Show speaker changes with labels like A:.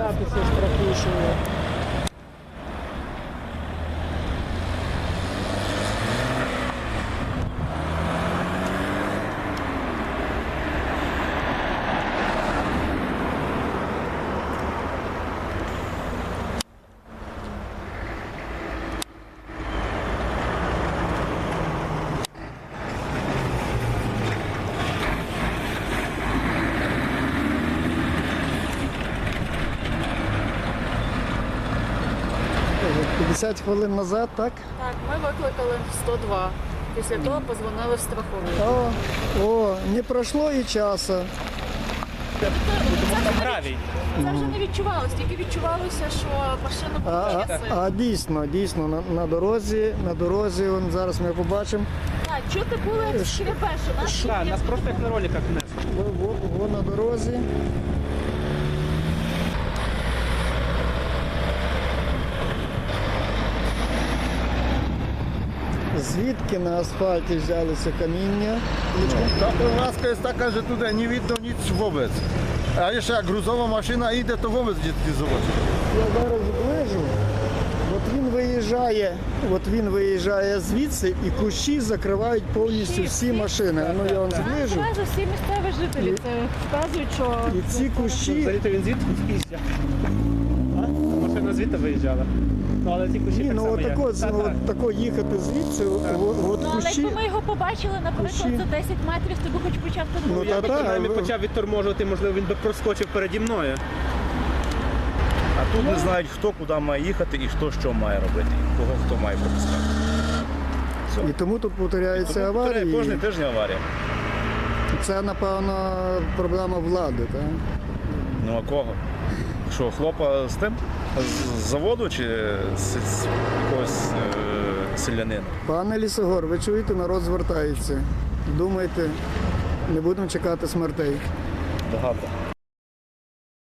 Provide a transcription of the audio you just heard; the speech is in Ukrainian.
A: розбиратися з трохушею.
B: Е, 50 хвилин назад, так?
C: Так, ми викликали 102. Після того позвонили в страхову.
B: О, не пройшло і часу.
A: Гравій.
C: Це вже не відчувалося, тільки відчувалося, що машина була часи.
B: А дійсно, на дорозі, вон, зараз ми побачимо,
C: Так, чути було, як шкребе, що наш
A: Так, нас просто як на роликах внесли.
B: во на дорозі. Звідки на асфальті взялися каміння?
D: Ta prowadzka jest taka, że tutaj nie widno nic wobec. A jeszcze jak gruzowa maszyna idzie, to wobec nie zobaczy.
B: Я зараз зближу. От він виїжджає звідси, і кущі закривають повністю всі машини. Ну я вам зближу.
C: Одразу всі місцеві жителі це вказують, що
B: І ці кущі,
A: Взагалі він звідти в'їжджав. Машина звідти виїжджала. Ну, але ті кущі
B: ні,
A: так
B: ну
A: само є.
B: отако їхати звідси, от
C: ну, але
B: кущі.
C: якби ми його побачили, наприклад,
B: Кущі.
C: за 10 метрів, то би хоч почав
B: Ну,
C: турбувати.
A: Я би
B: та-та,
A: принаймні
B: ви-
A: почав відторможувати, можливо, він би проскочив переді мною.
E: А тут не знають, хто куди має їхати і хто що має робити, кого хто має пропускати.
B: І тому тут повторяються
E: Тому
B: аварії.
E: кожен тиждень аварія.
B: Це, напевно, проблема влади, так?
E: Ну а кого? Що, хлопа з тим? З заводу чи з якогось селянина?
B: Пане Лісогор, ви чуєте, народ звертається. Думайте, не будемо чекати смертей.
E: Багато.